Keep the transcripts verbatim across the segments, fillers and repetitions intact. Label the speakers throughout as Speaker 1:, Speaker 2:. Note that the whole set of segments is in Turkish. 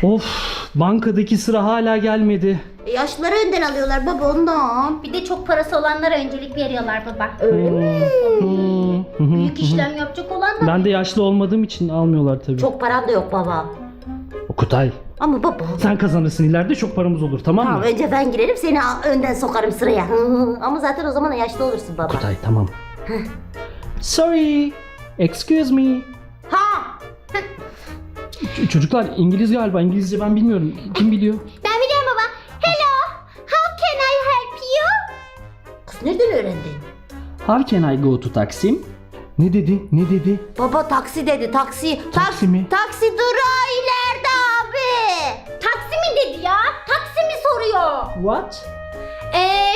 Speaker 1: Of, bankadaki sıra hala gelmedi.
Speaker 2: E, yaşlıları önden alıyorlar baba ondan.
Speaker 3: Bir de çok parası olanlara öncelik veriyorlar baba.
Speaker 2: Öyle mi?
Speaker 3: Büyük işlem yapacak olanlar.
Speaker 1: Ben de yaşlı olmadığım için almıyorlar tabii.
Speaker 2: Çok param da yok baba.
Speaker 1: Okutay,
Speaker 2: Ama baba.
Speaker 1: sen kazanırsın, ileride çok paramız olur, tamam mı?
Speaker 2: Tamam, önce ben girerim, seni a- önden sokarım sıraya. Ama zaten o zaman yaşlı olursun baba.
Speaker 1: Okutay, tamam. Sorry, excuse me.
Speaker 2: Ha!
Speaker 1: Ç- çocuklar İngiliz galiba, İngilizce ben bilmiyorum. Kim biliyor?
Speaker 3: Ben biliyorum baba. Hello, how can I help you?
Speaker 2: Kız nereden öğrendin?
Speaker 1: How can I go to Taksim? Ne dedi? Ne dedi?
Speaker 2: Baba taksi dedi, taksi.
Speaker 1: Taksi mi?
Speaker 2: Taksi durağı ileride abi.
Speaker 3: Taksi mi dedi ya? Taksi mi soruyor?
Speaker 1: What?
Speaker 3: Eee...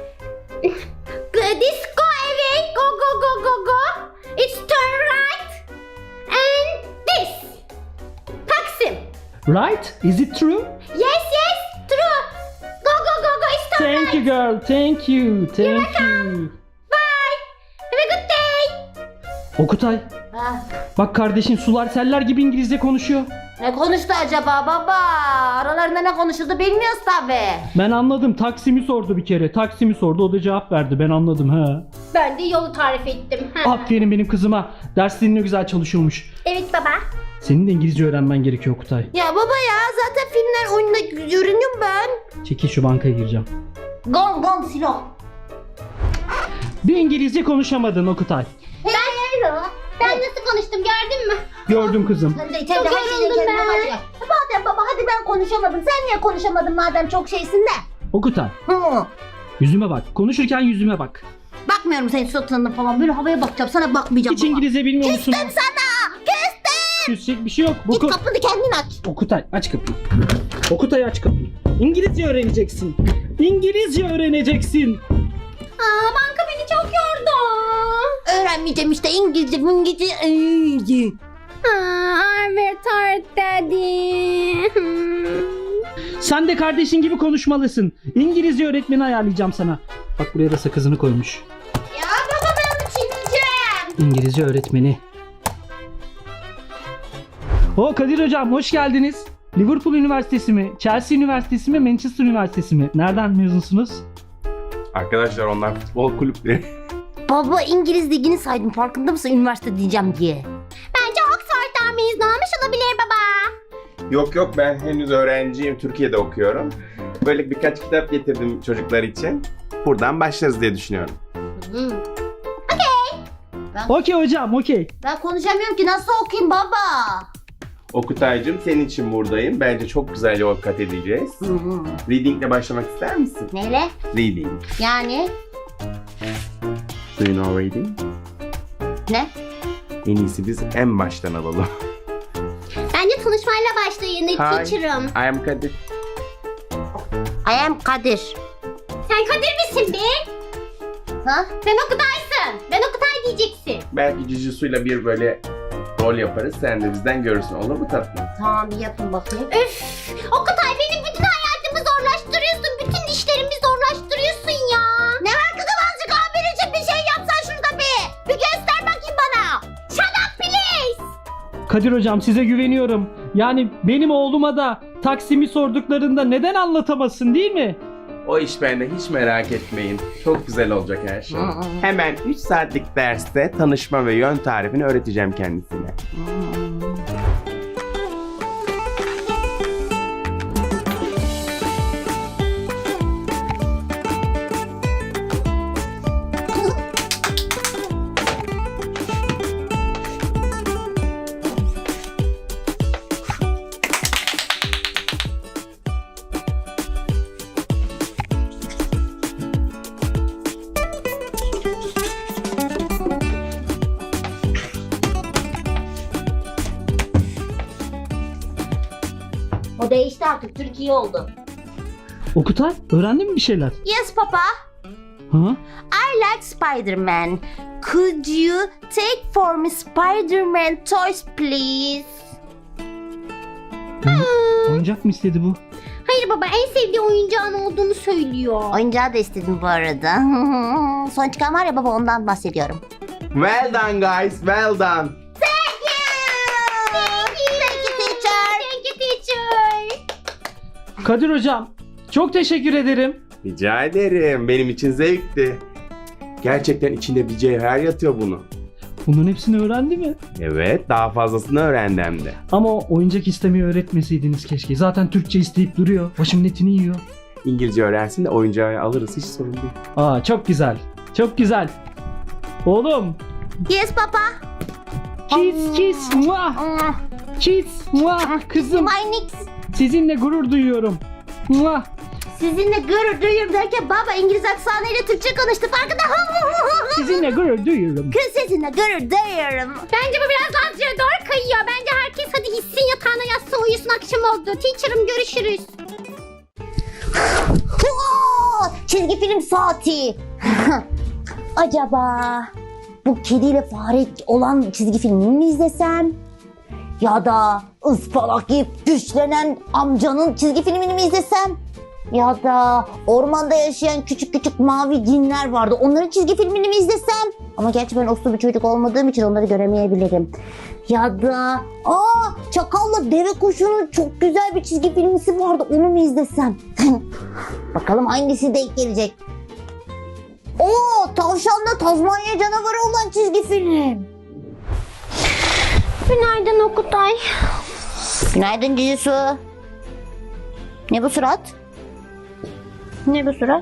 Speaker 3: This go away, go go go go go. It's turn right. And this. Taksim.
Speaker 1: Right? Is it true?
Speaker 3: Yes yes, true. Go go go go, it's turn
Speaker 1: Thank
Speaker 3: right.
Speaker 1: you girl, thank you, thank you.
Speaker 3: Bye. Have a good day.
Speaker 1: Okutay,
Speaker 2: Ha.
Speaker 1: bak kardeşin sular seller gibi İngilizce konuşuyor.
Speaker 2: Ne konuştu acaba baba? Aralarında ne konuşuldu bilmiyoruz tabi.
Speaker 1: Ben anladım, Taksim'i sordu bir kere. Taksim'i sordu, o da cevap verdi. Ben anladım ha.
Speaker 3: Ben de yolu tarif ettim. Ha.
Speaker 1: Aferin benim kızıma. Derslerini ne güzel çalışıyormuş.
Speaker 3: Evet baba.
Speaker 1: Senin de İngilizce öğrenmen gerekiyor Okutay.
Speaker 2: Ya baba ya, zaten filmler oyunda görünüyorum ben.
Speaker 1: Çekil, şu bankaya gireceğim.
Speaker 2: Gong gong silah.
Speaker 1: Bir İngilizce konuşamadın Okutay.
Speaker 3: Ben, ben nasıl konuştum gördün mü?
Speaker 1: Gördüm kızım.
Speaker 2: Sen de
Speaker 3: Çok
Speaker 2: içeride her şeyi
Speaker 3: yoruldum
Speaker 2: kendine
Speaker 3: ben.
Speaker 2: bacak. Madem baba hadi ben konuşamadım. Sen niye konuşamadın madem çok şeysin de?
Speaker 1: Okutay,
Speaker 2: Hı.
Speaker 1: yüzüme bak. Konuşurken yüzüme bak.
Speaker 2: Bakmıyorum senin suratına falan. Böyle havaya bakacağım. Sana bakmayacağım
Speaker 1: Hiç
Speaker 2: baba.
Speaker 1: İngilizce bilmiyor musun?
Speaker 2: Küstüm sana. Küstüm.
Speaker 1: Küsecek bir şey yok. Bu
Speaker 2: Git
Speaker 1: ko-
Speaker 2: kapını kendin aç.
Speaker 1: Okutay, aç kapıyı. Okutay, aç kapıyı. İngilizce öğreneceksin. İngilizce öğreneceksin.
Speaker 3: Aa, banka beni çok yordu.
Speaker 2: Öğrenmeyeceğim işte İngilizce, İngilizce, İngilizce.
Speaker 3: Aa, I'm very tired daddy.
Speaker 1: Sen de kardeşin gibi konuşmalısın. İngilizce öğretmeni ayarlayacağım sana. Bak, buraya da sakızını koymuş.
Speaker 2: Ya baba ben bunu çiğneyeceğim.
Speaker 1: İngilizce öğretmeni. O Kadir hocam, hoş geldiniz. Liverpool Üniversitesi mi, Chelsea Üniversitesi mi, Manchester Üniversitesi mi? Nereden mezunsunuz?
Speaker 4: Arkadaşlar onlar futbol kulüpleri.
Speaker 2: Baba İngiliz ligini saydım, farkında mısın üniversite diyeceğim diye.
Speaker 3: Bence Oxford'dan mezun olmuş olabilir baba.
Speaker 4: Yok yok, ben henüz öğrenciyim. Türkiye'de okuyorum. Böyle birkaç kitap getirdim çocuklar için. Buradan başlarız diye düşünüyorum.
Speaker 2: Hı.
Speaker 1: Okey hocam, okey.
Speaker 2: Ben konuşamıyorum ki, nasıl okuyayım baba?
Speaker 4: Okutaycığım, senin için buradayım. Bence çok güzel yol kat edeceğiz.
Speaker 2: Hı hı.
Speaker 4: Reading'le başlamak ister misin?
Speaker 2: Neyle?
Speaker 4: Reading.
Speaker 2: Yani
Speaker 4: Do you know reading?
Speaker 2: ne?
Speaker 4: En iyisi biz en baştan alalım.
Speaker 3: Bence tanışmayla başlayın.
Speaker 4: Hi,
Speaker 3: Teacher'ım.
Speaker 4: I am Kadir.
Speaker 2: I am Kadir.
Speaker 3: Sen Kadir misin be?
Speaker 2: Ha?
Speaker 3: Sen Okutay'sın. Ben Okutay diyeceksin.
Speaker 4: Belki Jujutsu'yla bir böyle rol yaparız. Sen de bizden görürsün. Olur mu tatlım?
Speaker 2: Tamam, bir yapın bakayım.
Speaker 3: Üf! Okutay benim bütün hayatımı zorlaştırıyorsun. Bütün işlerimi zorlaştırıyorsun ya.
Speaker 2: Ne var kızım, azıcık abin için bir şey yapsan şurada bir. Bir göster bakayım bana.
Speaker 3: Shut up please.
Speaker 1: Kadir hocam, size güveniyorum. Yani benim oğluma da Taksim'i sorduklarında neden anlatamasın, değil mi?
Speaker 4: O iş bende, hiç merak etmeyin. Çok güzel olacak her şey. Hemen üç saatlik derste tanışma ve yön tarifini öğreteceğim kendisine.
Speaker 2: O değişti artık, Türkiye oldu.
Speaker 1: Okutay, öğrendin mi bir şeyler?
Speaker 2: Yes papa.
Speaker 1: Ha?
Speaker 2: I like Spider-Man. Could you take for me Spider-Man toys please?
Speaker 1: Oyuncak mı istedi bu?
Speaker 3: Hayır baba, en sevdiği oyuncağın olduğunu söylüyor.
Speaker 2: Oyuncağı da istedim bu arada. Son çıkan var ya baba, ondan bahsediyorum.
Speaker 4: Well done guys, well done.
Speaker 2: Thank you. Thank you teacher.
Speaker 3: Thank you teacher.
Speaker 1: Kadir hocam, çok teşekkür ederim.
Speaker 4: Rica ederim. Benim için zevkti. Gerçekten içinde bir cevher yatıyor bunun.
Speaker 1: Bunların hepsini öğrendi mi?
Speaker 4: Evet, daha fazlasını öğrendi hem de.
Speaker 1: Ama o oyuncak istemeyi öğretmeseydiniz keşke. Zaten Türkçe isteyip duruyor. Başımın etini yiyor.
Speaker 4: İngilizce öğrensin de oyuncağı alırız, hiç sorun değil.
Speaker 1: Aa, çok güzel. Çok güzel. Oğlum.
Speaker 2: Yes papa.
Speaker 1: Kiss kiss muah. Kiss muah. Kızım,
Speaker 2: My nix.
Speaker 1: sizinle gurur duyuyorum. Muah.
Speaker 2: Sizinle gurur duyuyorum derken baba İngiliz aksanıyla Türkçe konuştu farkında.
Speaker 1: Sizinle gurur duyuyorum.
Speaker 2: Kız sizinle gurur duyuyorum.
Speaker 3: Bence bu biraz Lazca'ya doğru kayıyor. Bence herkes hadi gitsin yatağına yatsın uyusun akşam oldu. Teacher'ım görüşürüz.
Speaker 2: Oo, çizgi film saati. Acaba bu kediyle fare olan çizgi filmini mi izlesem? Ya da ıspanak yiyip güçlenen amcanın çizgi filmini mi izlesem? Ya da ormanda yaşayan küçük küçük mavi cinler vardı. Onların çizgi filmini mi izlesem? Ama gerçi ben uslu bir çocuk olmadığım için onları göremeyebilirim. Ya da aa Çakal'la Deve Kuşu'nun çok güzel bir çizgi filmisi vardı. Onu mu izlesem? Bakalım hangisi denk gelecek. Oo, Tavşanla Tazmanya Canavarı olan çizgi film.
Speaker 3: Günaydın Okutay.
Speaker 2: Günaydın Cicisu. Ne bu surat?
Speaker 3: Ne bu surat?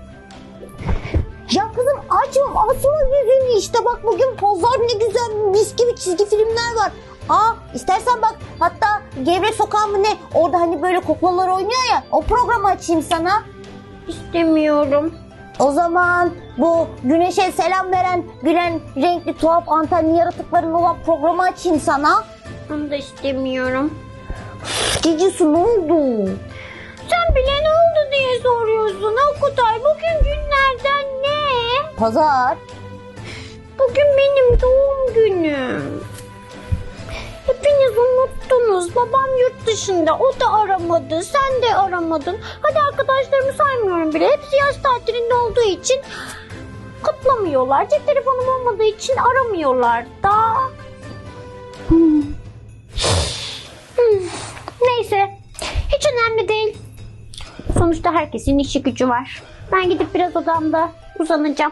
Speaker 2: Ya kızım açma asma yüzünü işte bak bugün pazar ne güzel mis gibi çizgi filmler var. Aa istersen bak hatta Gevrek Sokağı mı ne orada hani böyle kuklalar oynuyor ya o programı açayım sana.
Speaker 3: İstemiyorum.
Speaker 2: O zaman bu güneşe selam veren gülen renkli tuhaf antenli yaratıkların olan programı açayım sana.
Speaker 3: Onu da istemiyorum.
Speaker 2: Cicisu ne oldu?
Speaker 3: Sen bile ne oldu diye soruyorsun Okutay. Bugün günlerden ne?
Speaker 2: Pazar.
Speaker 3: Bugün benim doğum günüm. Hepiniz unuttunuz. Babam yurt dışında. O da aramadı. Sen de aramadın. Hadi arkadaşlarımı saymıyorum bile. Hepsi yaz tatilinde olduğu için kutlamıyorlar. Cep telefonum olmadığı için aramıyorlar da. Hmm. Hmm. Neyse. Hiç önemli değil. Sonuçta herkesin işi gücü var. Ben gidip biraz odamda uzanacağım.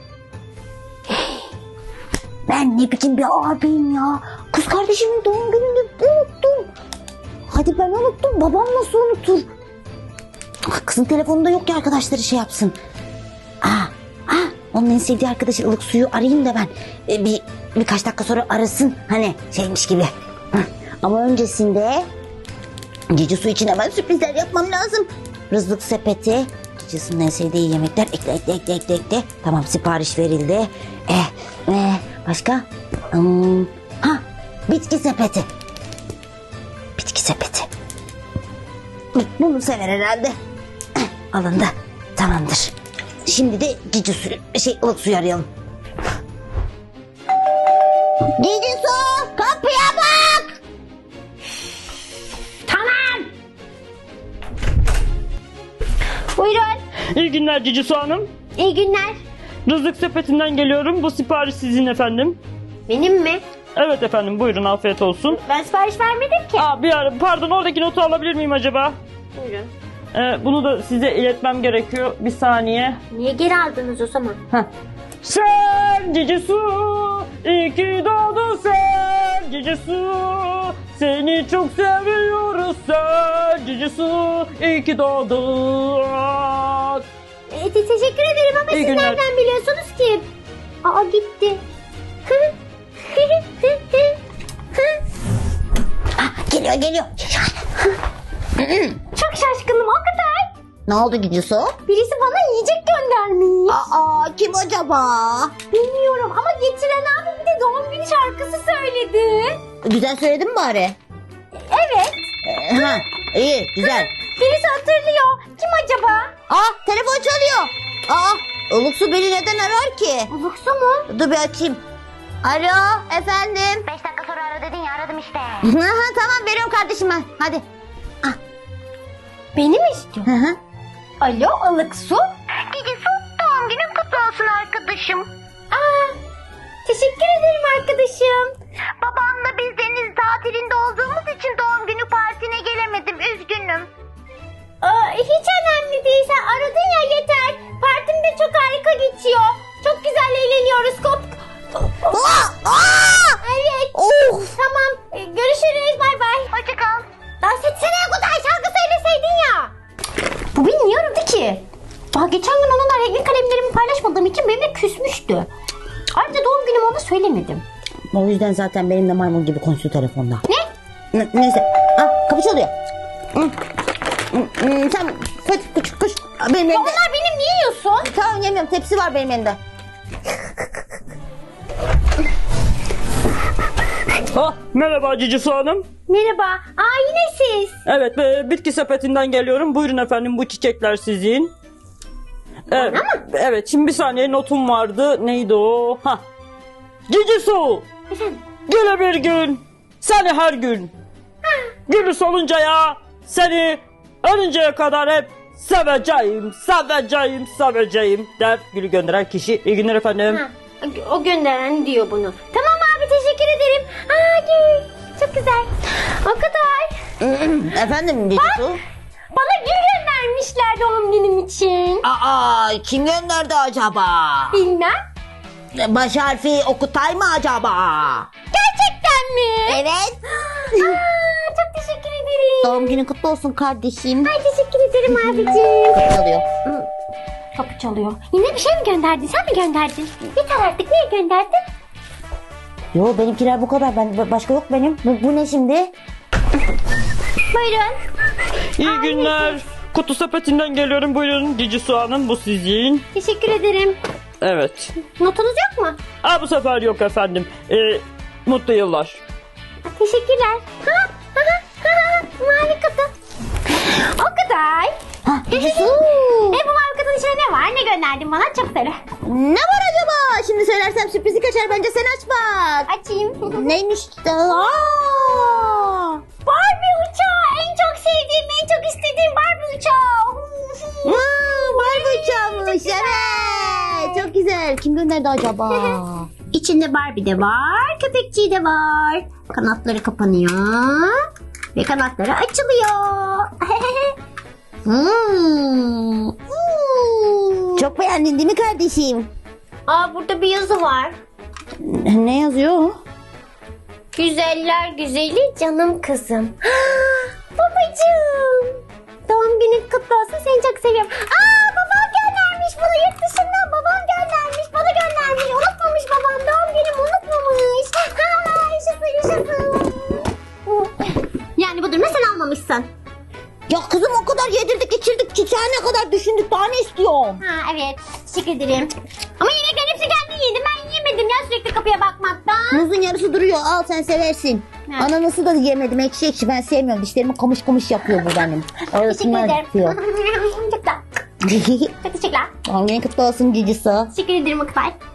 Speaker 2: Ben ne biçim bir abiyim ya. Kız kardeşimin doğum gününü unuttum. Hadi ben unuttum. Babam nasıl unutur? Ah, kızın telefonunda yok ki arkadaşları şey yapsın. Aa, aa, onun en sevdiği arkadaşı ılık suyu arayayım da ben. Ee, bir birkaç dakika sonra arasın. Hani şeymiş gibi. Hı. Ama öncesinde Cici su için hemen sürprizler yapmam lazım. Rızlık sepeti. Cici'nin en sevdiği yemekler. Ekle ekle ekle ekle ekle. Tamam sipariş verildi. Eh, eh, başka? Hmm, ha, bitki sepeti. Bitki sepeti. Bunu sever herhalde. Eh, alındı. Tamamdır. Şimdi de Cici suyu, şey ılık suyu arayalım. Cici su, kapıya bak.
Speaker 3: Tamam. Buyurun.
Speaker 5: İyi günler Cici Hanım.
Speaker 3: İyi günler.
Speaker 5: Rızık sepetinden geliyorum. Bu sipariş sizin efendim.
Speaker 3: Benim mi?
Speaker 5: Evet efendim, buyurun, afiyet olsun.
Speaker 3: Ben sipariş vermedim ki.
Speaker 5: Aa, bir ara, pardon, oradaki notu alabilir miyim acaba?
Speaker 3: Buyurun.
Speaker 5: Ee, bunu da size iletmem gerekiyor. Bir saniye.
Speaker 3: Niye geri aldınız o zaman?
Speaker 5: Sen Cici Su, iyi ki doğdun sen Cici Su. Seni çok seviyoruz sen Cici Su, iyi ki doğdun.
Speaker 3: E, te- teşekkür ederim ama
Speaker 5: İyi
Speaker 3: siz
Speaker 5: günler.
Speaker 3: nereden biliyorsunuz ki? Aa gitti.
Speaker 2: Ah, geliyor geliyor.
Speaker 3: Çok şaşkınım o kadar.
Speaker 2: Ne oldu Cici su?
Speaker 3: Birisi bana yiyecek göndermiş.
Speaker 2: Aa, kim acaba?
Speaker 3: Bilmiyorum ama getiren abi bir de doğum günü şarkısı söyledi.
Speaker 2: Güzel söyledin mi bari?
Speaker 3: Evet.
Speaker 2: Ee, ha, iyi, güzel.
Speaker 3: Birisi hatırlıyor. Kim acaba?
Speaker 2: Aa, telefon çalıyor. Aa, Ilık su beni neden arar ki?
Speaker 3: Uluksu mu?
Speaker 2: Dur bir açayım. Alo, efendim.
Speaker 3: Beş dakika sonra ara dedin ya aradım işte.
Speaker 2: Tamam, veriyorum kardeşim ben. Hadi.
Speaker 3: Beni mi istiyor?
Speaker 2: Hı hı.
Speaker 3: Alo Uluksu.
Speaker 2: Cici su, doğum günün kutlu olsun arkadaşım.
Speaker 3: Aa, teşekkür ederim arkadaşım.
Speaker 2: Babamla biz deniz tatilinde olduğumuz için doğum günü partine gelemedim. Üzgünüm.
Speaker 3: Aa, hiç önemli değil. Sen aradın ya, yeter. Partim de çok harika geçiyor. Çok güzel eğleniyoruz. Kop.
Speaker 2: Aa, aa!
Speaker 3: Evet.
Speaker 2: Of!
Speaker 3: Tamam. e, Görüşürüz. Bay bay. Hoşça kal. Dans etsene Kutay. Şarkı söyleseydin ya. Bu beni niye aradı ki? Daha geçen gün onunla renkli kalemlerimi paylaşmadığım için benimle küsmüştü. Ayrıca doğum günümü ona söylemedim.
Speaker 2: O yüzden zaten benimle maymun gibi konuşuyor telefonda.
Speaker 3: Ne?
Speaker 2: N- neyse. Aa, kapı çalıyor. Hı. Hı, hı, Sen koş koş koş. Benim elimde.
Speaker 3: Onlar benim, niye yiyorsun?
Speaker 2: Tamam yemiyorum, tepsi var benim elimde.
Speaker 5: Ah, merhaba Cici Hanım.
Speaker 3: Merhaba. Aa, yine siz.
Speaker 5: Evet, e, bitki sepetinden geliyorum. Buyurun efendim, bu çiçekler sizin. Evet, evet, şimdi bir saniye, notum vardı. Neydi o? Ha. Cici Su. Güle bir gün. Seni her gün. Gülü soluncaya, seni ölünceye kadar hep seveceğim, seveceğim, seveceğim der gülü gönderen kişi. İyi günler efendim.
Speaker 3: Ha, o gönderen diyor bunu. Tamam abi, teşekkür ederim. Aa, gül. Çok güzel. O kadar.
Speaker 2: Efendim Cici.
Speaker 3: Bana gül göndermişler doğum günüm için.
Speaker 2: Aa, kim gönderdi acaba?
Speaker 3: Bilmem.
Speaker 2: Baş harfi Okutay mı acaba?
Speaker 3: Gerçekten mi?
Speaker 2: Evet.
Speaker 3: Aa, çok teşekkür ederim.
Speaker 2: Doğum günün kutlu olsun kardeşim.
Speaker 3: Ay, teşekkür ederim abicim.
Speaker 2: Kapı çalıyor.
Speaker 3: Kapı çalıyor. Yine bir şey mi gönderdin? Sen mi gönderdin? Yeter artık. Niye gönderdin?
Speaker 2: Yo, benimkiler bu kadar. Ben başka yok benim. Bu, bu ne şimdi?
Speaker 3: Buyurun.
Speaker 5: İyi günler. Kutu sepetinden geliyorum. Buyurun Cici Hanım, bu sizin.
Speaker 3: Teşekkür ederim.
Speaker 5: Evet.
Speaker 3: Notunuz yok mu?
Speaker 5: Aa, bu sefer yok efendim. Ee, mutlu yıllar.
Speaker 3: Teşekkürler. Ha, ha, ha, ha, mavi kutu. O kadar.
Speaker 2: Ha, Cici.
Speaker 3: E, bu mavi kutunun içinde ne var? Ne gönderdin bana? Çok söyle.
Speaker 2: Ne var acaba? Şimdi söylersem sürprizi kaçar. Bence sen aç bak.
Speaker 3: Açayım.
Speaker 2: Neymiş? Aa!
Speaker 3: Barbie uçağı. En çok sevdiğim, en çok istediğim Barbie uçağı.
Speaker 2: Aa, Barbie uçağımış. Evet. Çok güzel. Kim gönderdi acaba?
Speaker 3: İçinde Barbie de var, köpekçiği de var. Kanatları kapanıyor ve kanatları açılıyor. Hmm. Hmm.
Speaker 2: Çok beğendin değil mi kardeşim?
Speaker 3: Aa, burada bir yazı var.
Speaker 2: Ne yazıyor?
Speaker 3: Güzeller güzeli canım kızım. Babacığım. Doğum günün kutlu olsun, seni çok seviyorum. Aa, babam göndermiş bunu yurt dışından, babam göndermiş, bana göndermiş. Unutmamış babam, doğum günümü unutmamış. Aa, yaşasın yaşasın. Yani bu durumda sen almamışsın.
Speaker 2: Ya kızım, o kadar yedirdik içirdik, çiçeğe ne kadar düşündük, daha ne istiyorsun?
Speaker 3: Ha, evet, teşekkür ederim. Ama yemeklerin hepsi kendi yedi, ben yemedim ya sürekli kapıya bakmaktan.
Speaker 2: Muzun yarısı duruyor, al sen seversin.
Speaker 3: Ha.
Speaker 2: Ananası da yemedim, ekşi ekşi, ben sevmiyorum, dişlerimi kamış kamış yapıyor bu benim.
Speaker 3: Teşekkür
Speaker 2: Orasını
Speaker 3: ederim.
Speaker 2: acıtıyor.
Speaker 3: Çok da. Çok teşekkürler.
Speaker 2: Doğum günün kutlu olsun Cicisi.
Speaker 3: Teşekkür ederim Akbay.